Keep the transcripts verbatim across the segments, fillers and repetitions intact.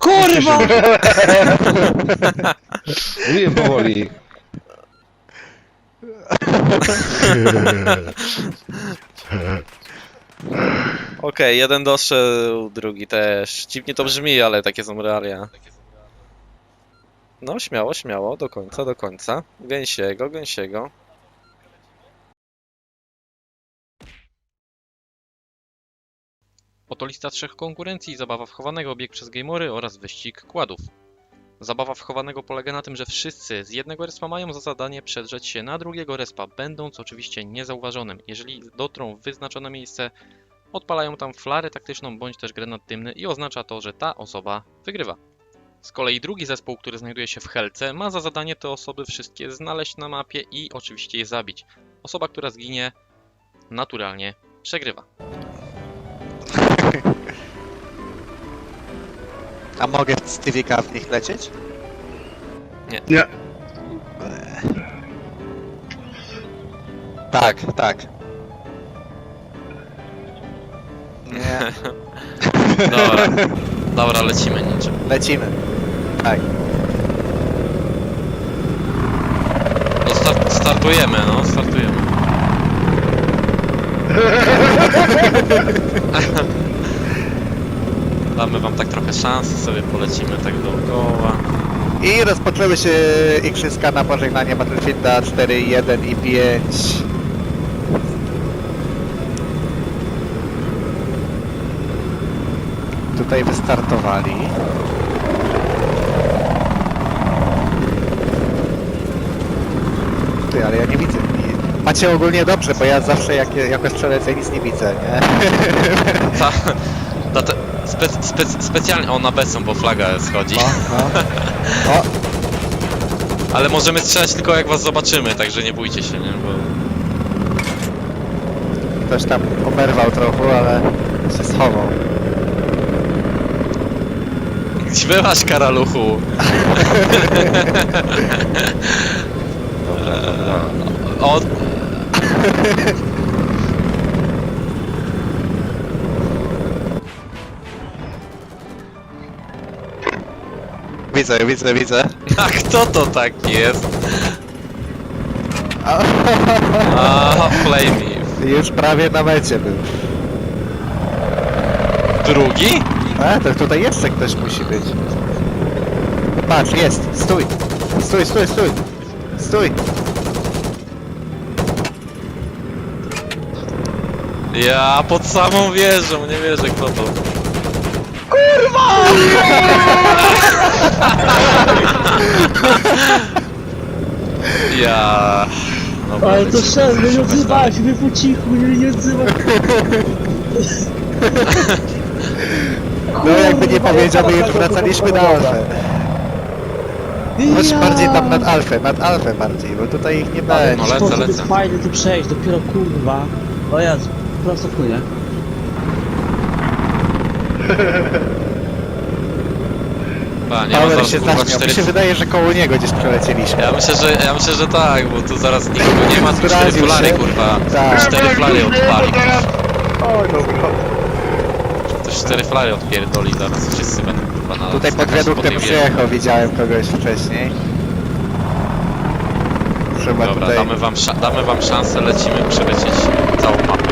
Kurwa! Mówiłem powoli. Okej, okay, jeden doszedł, drugi też. Dziwnie to brzmi, ale takie są realia. No, śmiało, śmiało, do końca, do końca. Gęsiego, gęsiego. Oto lista trzech konkurencji, zabawa w chowanego, bieg przez gameory oraz wyścig kładów. Zabawa w chowanego polega na tym, że wszyscy z jednego respa mają za zadanie przedrzeć się na drugiego respa, będąc oczywiście niezauważonym. Jeżeli dotrą w wyznaczone miejsce, odpalają tam flarę taktyczną bądź też granat dymny i oznacza to, że ta osoba wygrywa. Z kolei drugi zespół, który znajduje się w helce, ma za zadanie te osoby wszystkie znaleźć na mapie i oczywiście je zabić. Osoba, która zginie, naturalnie przegrywa. A mogę z T V K w nich lecieć? Nie. Nie. Tak, tak. Nie. Dobra, dobra, lecimy niczym. Lecimy. Tak. No start, startujemy, no, startujemy. Damy wam tak trochę szansy, sobie polecimy tak dookoła. I rozpoczęły się igrzyska na pożegnanie Battlefielda cztery, jeden i pięć. Tutaj wystartowali. Ty, ale ja nie widzę. I macie ogólnie dobrze, bo ja zawsze jak, jako strzelec nic nie widzę, nie? Ta, ta, ta, spe, spe, specjalnie, o na B są, bo flaga schodzi. O, no. O, Ale możemy strzelać tylko jak was zobaczymy, także nie bójcie się, nie? Bo... ktoś tam oberwał trochę, ale się schował. Gdzie byłaś, karaluchu? Dobra, dobra. O... Widzę, widzę, widzę. A kto to tak jest? A, A, Flamey. już prawie na mecie był. Drugi? A, to tutaj jeszcze ktoś musi być. Patrz, jest, stój. Stój, stój, stój. Stój. Ja pod samą wieżą, nie wierzę kto to. Kurwa! Ja... Dobra, Ale to lecimy, szef, nie lecimy odzywaj się, wy po cichu, nie, nie odzywaj. No jakby nie powiedział, my już wracaliśmy na alfę. Chodź bardziej tam nad alfę, nad alfę bardziej, bo tutaj ich nie No będzie. lecę, Sposób lecę. jest fajny tu przejść, dopiero kurwa. O Jezu, prosto płynie. A, nie ma Power zaraz się kurwa zaśmiał, mi cztery... się wydaje, że koło niego gdzieś przelecieliśmy. Ja myślę, że, ja myślę, że tak, bo tu zaraz nikogo nie ma, tu cztery Zdradził flary się. kurwa. Tak. Cztery flary odpali. O, dobra. Ktoś cztery flary odpierdoli zaraz, wszyscy będą kurwa na... Tutaj pod skakać po wiaduktem tej wieży. przyjechał, widziałem kogoś wcześniej. Trzeba Dobra, tutaj... damy wam, sza- damy wam szansę, lecimy przelecieć całą mapę.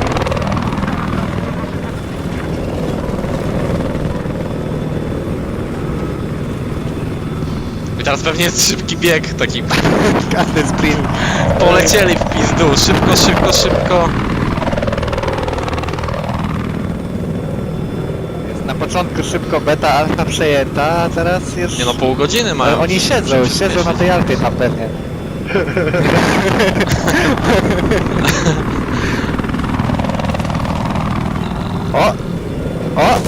I teraz pewnie jest szybki bieg, taki Każdy sprint. polecieli w pizdu, szybko, szybko, szybko. Jest na początku szybko beta, alfa przejęta, a teraz już... Nie no, pół godziny mają. Ale oni siedzą, żeby się siedzą na zmieścić. tej alfie tam pewnie. O! O!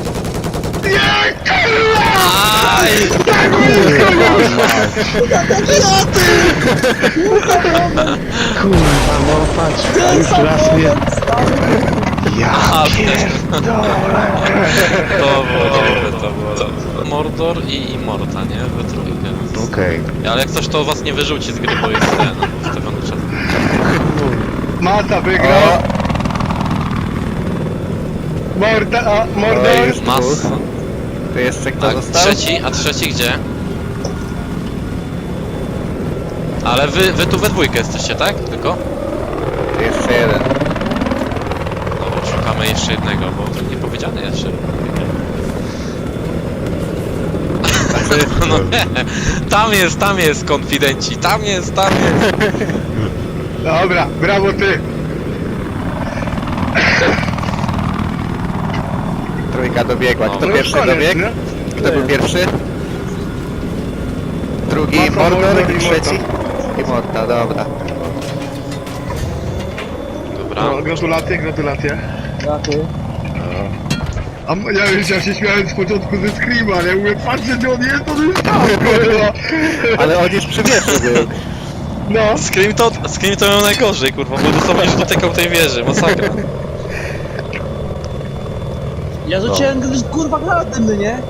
Aj! Kurwa, no patrz, już raz mnie... Ale... To było dobre, to było dobre. Mordor i, i Morta, nie? We trójkę. Okej. Ale jak coś to was nie wyrzuci z gry, bo jest ten, ustawiony czas. Mata wygrał. O! Morda, a, O, Mordor. już Mas... dwóch. To jeszcze kto A został? trzeci, a trzeci gdzie? Ale wy, wy tu we dwójkę jesteście, tak? Tylko? To jeszcze jeden. Dobra, szukamy jeszcze jednego, bo to nie powiedziane jeszcze. Znaczy, No nie, tam jest, tam jest, konfidenci, tam jest, tam jest. Dobra, brawo ty. trójka dobiegła. Kto No pierwszy koniec, dobiegł? nie? Kto był pierwszy? Drugi Masa, Mordor Mordor i i trzeci? I Morta, dobra. Dobra. No, gratulacje, gratulacje. A m- ja już ja się śmiałem z początku ze Screama, ale mówię, patrzę gdzie on jest, on już tam, kurwa. Ale on już przy wieży był. No, Scream to, Scream to miał najgorzej, kurwa, bo dosłownie już dotykał tej wieży, masakra. Ja rzuciłem kurwa granat dymny, nie?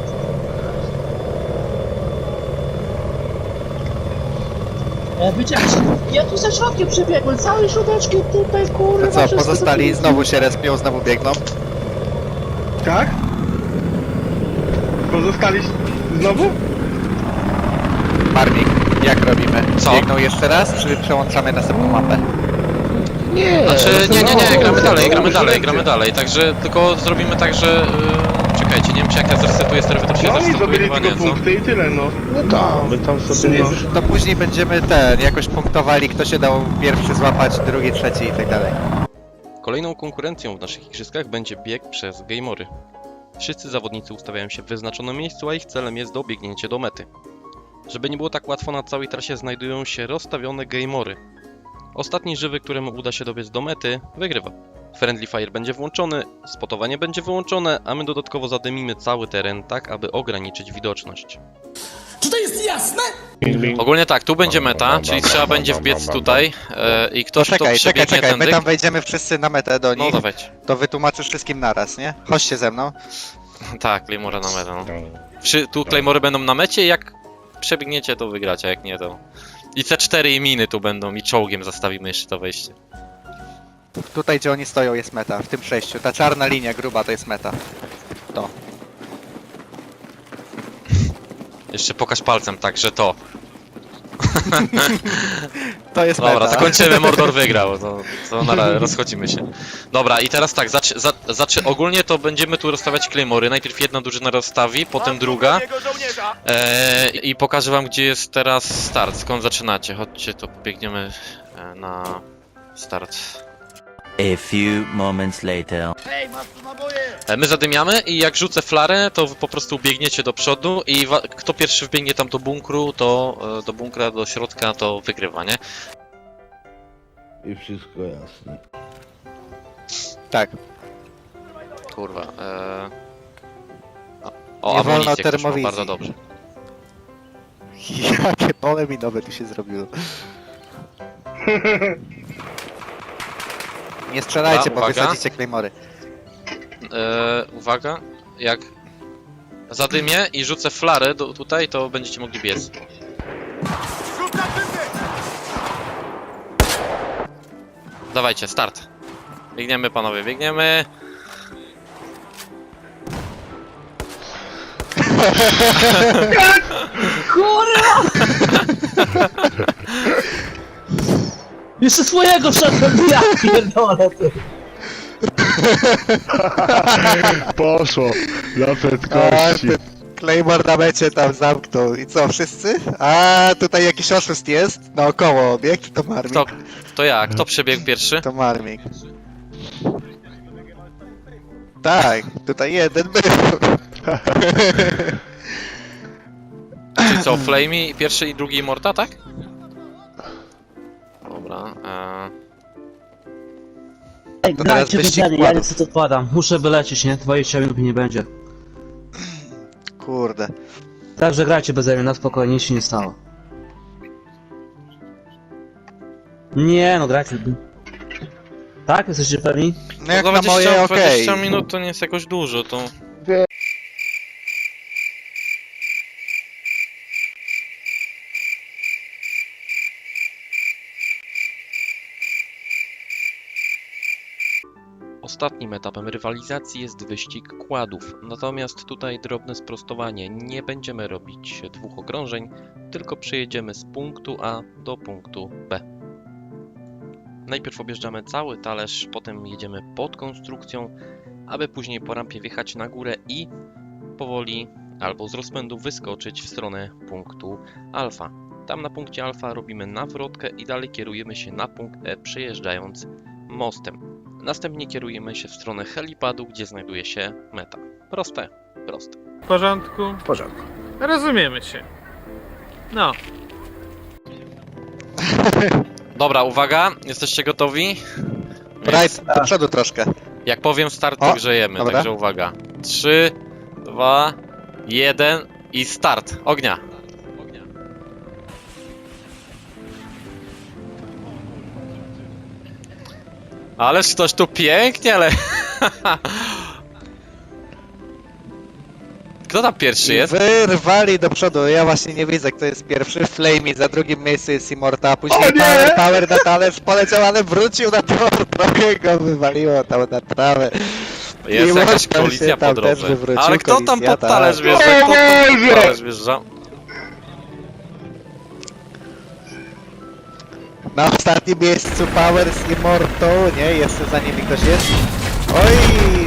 Ja wiedziałem, ja tu ze środkiem przebiegłem, całe środeczki tutaj kurwa. To co, wszystko pozostali to- znowu się respią, znowu biegną? tak? Pozostali znowu? Marmik, jak robimy? Co? Biegną jeszcze raz, czy przełączamy następną mapę? Nie, Znaczy, nie, nie, nie, no, gramy dalej, no, gramy no, dalej, no, gramy dalej, także tylko zrobimy tak, że... Yy, czekajcie, nie wiem czy jak ja zresetuję strefę, to się No oni zresetuje zdobyli chyba tylko nie, co? punkty i tyle, no. No tak, my tam sobie... No. To później będziemy ten, jakoś punktowali, kto się dał pierwszy złapać, drugi, trzeci i tak dalej. Kolejną konkurencją w naszych igrzyskach będzie bieg przez gameory. Wszyscy zawodnicy ustawiają się w wyznaczonym miejscu, a ich celem jest dobiegnięcie do mety. Żeby nie było tak łatwo, na całej trasie znajdują się rozstawione gameory. Ostatni żywy, któremu uda się dobiec do mety, wygrywa. Friendly Fire będzie włączony, spotowanie będzie wyłączone, a my dodatkowo zadymimy cały teren tak, aby ograniczyć widoczność. Czy to jest jasne? Ogólnie tak, tu będzie meta, czyli trzeba będzie wbiec tutaj e, i ktoś, kto Czekaj, czekaj, przebiegnie czekaj, my tędy... tam wejdziemy wszyscy na metę do No nich, dawać. to wytłumaczysz wszystkim naraz, nie? Chodźcie ze mną. Tak, Claymore na metę, no. Wszy, tu Claymory będą na mecie, jak przebiegniecie to wygracie, jak nie to... I C cztery i miny tu będą i czołgiem zastawimy jeszcze to wejście. Tutaj, gdzie oni stoją, jest meta, w tym przejściu. Ta czarna linia gruba to jest meta. To. Jeszcze pokaż palcem, tak, że to. To jest Dobra, meta. to kończymy, Mordor wygrał, to, to na razie rozchodzimy się. Dobra, i teraz tak, zacz, za, zacz, ogólnie to będziemy tu rozstawiać Claymory. Najpierw jedna drużyna rozstawi, potem druga. E, I pokażę wam, gdzie jest teraz start, skąd zaczynacie. Chodźcie, to pobiegniemy e, na start. A few moments later. E, My zadymiamy i jak rzucę flarę, to wy po prostu biegniecie do przodu i wa- kto pierwszy wbiegnie tam do bunkru, to e, do bunkra, do środka, to wygrywa, nie? I wszystko jasne. Tak. Kurwa. E... O, o Nie wolno amunicję ktoś ma, termowizji. bardzo dobrze. Jakie pole minowe tu się zrobiło. Nie strzelajcie, Dobra, bo uwaga. wysadzicie Claymory. E, uwaga, jak zadymię i rzucę flarę do, tutaj, to będziecie mogli biec. Dawajcie, start. Biegniemy, panowie, biegniemy. Kurwa! Jeszcze swojego wszedłem, ja pierdolę ty. Poszło, dla prędkości. Claymore na mecie tam zamknął. I co, wszyscy? A tutaj jakiś oszust jest? Naokoło obiekt, to Marmik. Kto, to ja, kto przebiegł pierwszy? To Marmik. Tak, tutaj jeden był. Czyli co, Flamey pierwszy i drugi Morta, tak? Dobra. E... Ej, To teraz grajcie wyścig wydzianie, ja kładów. niestety odpadam. Muszę wylecieć, nie? dwadzieścia minut mi nie będzie. Kurde. Także grajcie beze mnie, na spokojnie, nic się nie stało. Nie no, grajcie. Tak? Jesteście pewni? No jak No na moje, okej. dwadzieścia minut to nie jest jakoś dużo, to... Ostatnim etapem rywalizacji jest wyścig kładów. Natomiast tutaj drobne sprostowanie. Nie będziemy robić dwóch okrążeń, tylko przejedziemy z punktu A do punktu B. Najpierw objeżdżamy cały talerz, potem jedziemy pod konstrukcją, aby później po rampie wjechać na górę i powoli albo z rozpędu wyskoczyć w stronę punktu alfa. Tam na punkcie alfa robimy nawrotkę i dalej kierujemy się na punkt E, przejeżdżając mostem. Następnie kierujemy się w stronę helipadu, gdzie znajduje się meta. Proste, proste. W porządku? W porządku. Rozumiemy się. No. Dobra, uwaga, jesteście gotowi? Bright, do przodu troszkę. Jak powiem start, to O, grzejemy, dobra. także uwaga. trzy, dwa, jeden i start. Ognia. Ależ ktoś tu pięknie, ale... Kto tam pierwszy jest? Wyrwali do przodu, ja właśnie nie widzę kto jest pierwszy. Flamey, za drugim miejscu jest Immorta, później O nie! Power, Power na talerz poleciał, ale wrócił na tor, trochę go wywaliło tam na trawę. Jest I jakaś Mortal się kolizja tam po też drodze. wywrócił, Ale kto tam kolizja, pod tak. talerz wjeżdża? O Kto tam pod Boże! talerz wjeżdża? Na ostatnim miejscu Power z Immortą, nie? Jeszcze za nimi ktoś jest. Oj!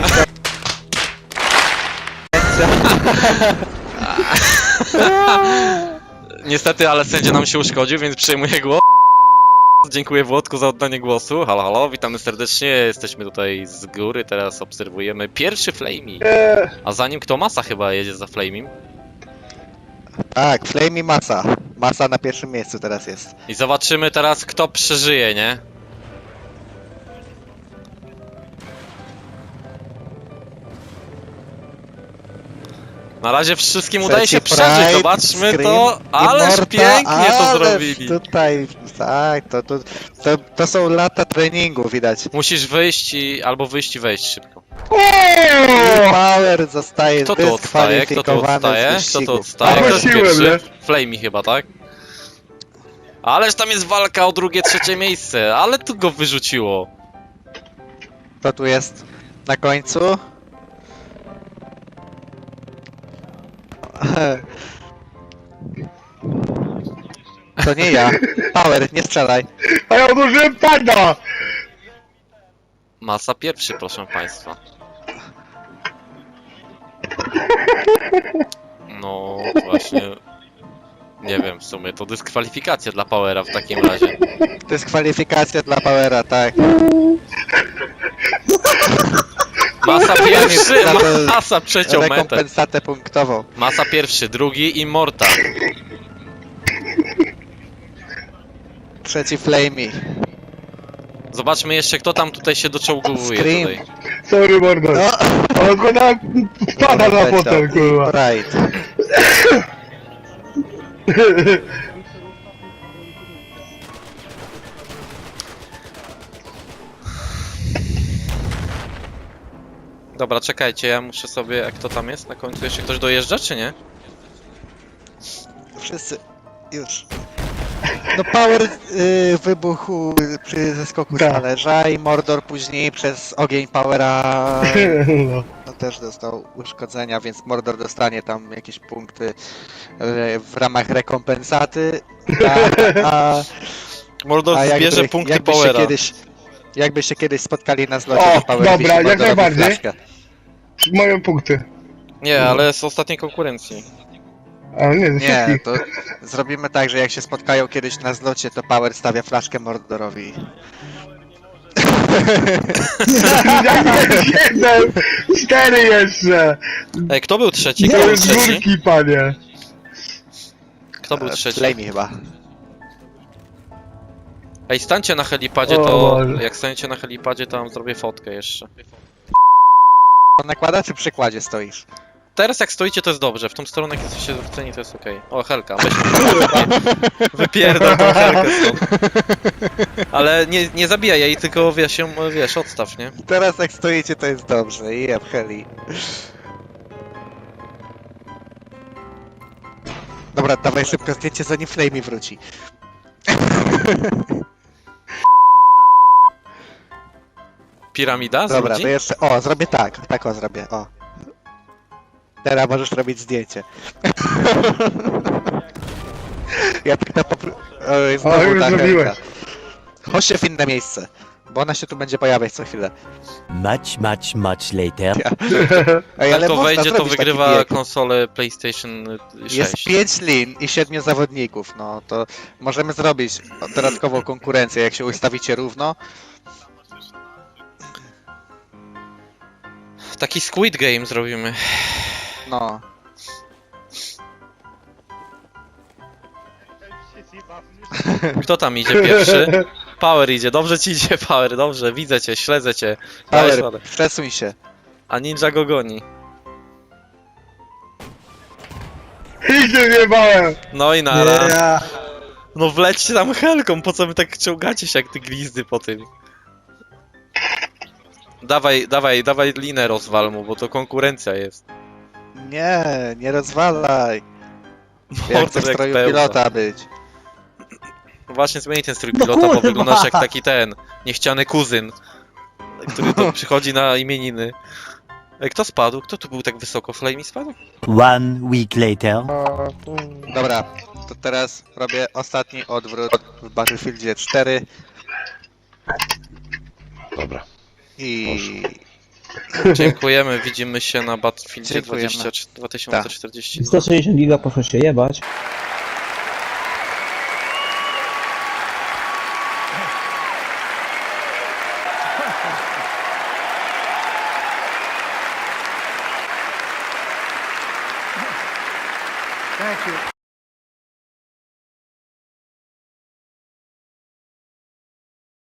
Niestety, ale sędzia nam się uszkodził, więc przejmuję głos. Dziękuję Włodku za oddanie głosu. Halo, halo, witamy serdecznie. Jesteśmy tutaj z góry, teraz obserwujemy pierwszy Flamey. A za nim kto? Masa chyba jedzie za Flamey. Tak, Flamey Masa. Masa na pierwszym miejscu teraz jest. I zobaczymy teraz kto przeżyje, nie? Na razie wszystkim udaje się Trzeci przeżyć, Pride, zobaczmy Scream, to. Ależ Immorta, pięknie to ależ zrobili. Tutaj, tak, to, to, to, to są lata treningu, widać. Musisz wyjść i... albo wyjść i wejść szybko. Power zostaje Kto tu odstaje? Kto tu dyskwalifikowany odstaje? z Kto tu wyścigu. odstaje? Kto jest Prosiłem, pierwszy? nie? Flamey chyba, tak? Ależ tam jest walka o drugie, trzecie miejsce, ale tu go wyrzuciło. Kto tu jest na końcu? To nie ja. Power, nie strzelaj. A ja odłożyłem pada! Masa pierwszy, proszę państwa. No właśnie. Nie wiem, w sumie to dyskwalifikacja dla Powera w takim razie. Dyskwalifikacja dla Powera, tak. Masa pierwszy, Za to masa przeciął metę. Rekompensatę punktową. Masa pierwszy, drugi i Morta. Trzeci Flamey. Zobaczmy jeszcze kto tam tutaj się doczołguje Scream. tutaj. Sorry, mordo. No! Ale go na... pada na fotel, kurwa. Pride. Dobra, czekajcie, ja muszę sobie, jak to tam jest na końcu, jeszcze ktoś dojeżdża, czy nie? Wszyscy. Już. No Power y, wybuchł przy zeskoku z Tak. talerza i Mordor później przez ogień Powera No. no, też dostał uszkodzenia, więc Mordor dostanie tam jakieś punkty y, w ramach rekompensaty. A, a, Mordor a zbierze jakby, punkty jakby się Powera. kiedyś jakby się kiedyś spotkali na zlocie, O, to Power dobra, wisi jak Mordorowi najbardziej. flaszkę. Moje punkty. Nie, ale z ostatniej konkurencji. A nie, ze Nie, wszystkich. to zrobimy tak, że jak się spotkają kiedyś na zlocie, to Power stawia flaszkę Mordorowi. Jak jest jeden! Cztery jeszcze! Ej, kto był trzeci? To Kto był jest trzeci? górki, panie. Kto był trzeci? Flamey chyba. Ej, stańcie na helipadzie, O to... Boże. Jak staniecie na helipadzie, to wam zrobię fotkę jeszcze. On nakłada czy przy kładzie stoisz? Teraz jak stoicie, to jest dobrze, w tą stronę jak jesteście zwróceni, to jest okej. O, Helka, weź wypierdol tą Helkę stąd. Ale nie, nie zabijaj jej, tylko wiesz, ją, wiesz, odstaw, nie? Teraz jak stoicie to jest dobrze, i jeb heli. Dobra, dawaj szybko zdjęcie zanim Flamey wróci. Piramida z Dobra, ludzi? to jeszcze, o, zrobię tak, tak o zrobię, o. Teraz możesz robić zdjęcie. Ja tak na popr... Oj, O, znowu już ta zrobiłeś. Helka. Chodźcie w inne miejsce, bo ona się tu będzie pojawiać co chwilę. Much, much, much later. Ej, Jak ale to można wejdzie, to zrobić taki wygrywa bieg. konsolę PlayStation Jest sześć. pięć lin i siedmiu zawodników, no to możemy zrobić dodatkową konkurencję, jak się ustawicie równo. Taki Squid Game zrobimy. No. Kto tam idzie pierwszy? Power idzie, dobrze ci idzie Power, dobrze, widzę cię, śledzę cię. Dajesz Power, radę. przesuń się. A Ninja go goni. I się wjebałem! No i nara. No wlećcie tam helką, po co wy tak ciągacie się jak ty glizdy po tym? Dawaj, dawaj, dawaj linę rozwal mu, bo to konkurencja jest. Nie, nie rozwalaj. Ja chcę w jak stroju pełza. pilota być. Właśnie zmieni ten strój pilota, bo wyglądasz jak taki ten niechciany kuzyn, który to przychodzi na imieniny. Ej, kto spadł? Kto tu był tak wysoko? Flamey spadł? One week later. Dobra, to teraz robię ostatni odwrót w Battlefieldzie cztery Dobra. i... Dziękujemy, widzimy się na Battlefieldzie Dziękujemy. dwadzieścia, dwa tysiące czterdzieści. sto sześćdziesiąt giga poszło się jebać. Thank you.